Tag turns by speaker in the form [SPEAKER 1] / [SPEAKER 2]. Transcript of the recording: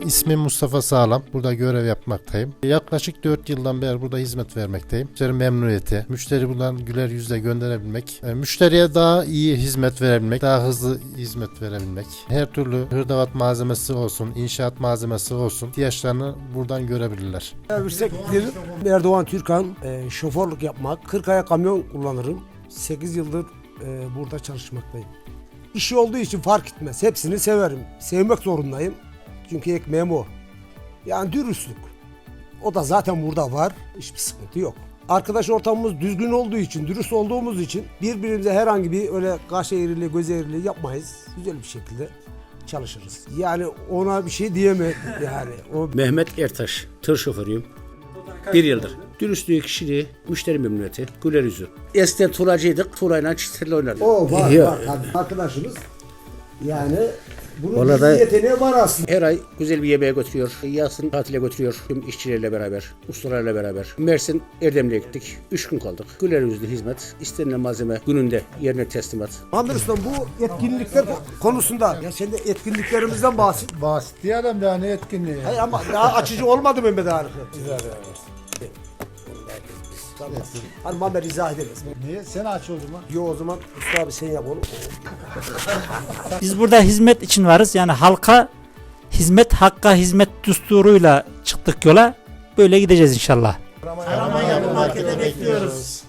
[SPEAKER 1] İsmim Mustafa Sağlam. Burada görev yapmaktayım. Yaklaşık 4 yıldan beri burada hizmet vermekteyim. Müşteri memnuniyeti, müşteri buradan güler yüzle gönderebilmek, müşteriye daha iyi hizmet verebilmek, daha hızlı hizmet verebilmek. Her türlü hırdavat malzemesi olsun, inşaat malzemesi olsun ihtiyaçlarını buradan görebilirler.
[SPEAKER 2] Servistektir. Erdoğan Türkan, şoförlük yapmak, 40 aya kamyon kullanırım. 8 yıldır burada çalışmaktayım. İşi olduğu için fark etmez. Hepsini severim. Sevmek zorundayım. Çünkü ekmeğim o. Yani dürüstlük. O da zaten burada var. Hiçbir sıkıntı yok. Arkadaş ortamımız düzgün olduğu için, dürüst olduğumuz için birbirimize herhangi bir öyle kaş eğriliği, göz eğriliği yapmayız. Güzel bir şekilde çalışırız. Yani ona bir şey diyemem yani. O
[SPEAKER 3] Mehmet Ertaş, tır şoförüyüm. 1 yıldır. Dürüstlüğü, kişiliği, müşteri memnuniyeti, güler yüzü. Eskiden tuğlacıydık, tuğlayla çiftlerle oynardık.
[SPEAKER 2] o var,
[SPEAKER 3] Yok.
[SPEAKER 2] var tabii. Arkadaşımız yani bunun
[SPEAKER 3] Vallahi da-
[SPEAKER 2] bir yeteneği var aslında.
[SPEAKER 3] Her ay güzel bir yemeğe götürüyor. Yazın tatile götürüyor. Tüm işçilerle beraber, ustalarla beraber. Mersin Erdemli'ye gittik. 3 gün kaldık. Güler yüzlü hizmet, istenilen malzeme gününde yerine teslimat.
[SPEAKER 2] Anderson bu etkinlikler konusunda ya sen de etkinliklerimizden bahset.
[SPEAKER 4] Basit diye adam daha ne etkinliği.
[SPEAKER 2] Hayır ama daha açıcı olmadı Mehmet Arif. Tamam. Hani Mehmet izah edemez.
[SPEAKER 4] Niye? Sen aç o zaman.
[SPEAKER 2] Yo o zaman Usta abi sen yap onu.
[SPEAKER 5] Biz burada hizmet için varız. Yani halka hizmet, hakka hizmet düsturuyla çıktık yola. Böyle gideceğiz inşallah.
[SPEAKER 4] Karaman Yapı Market'e bekliyoruz.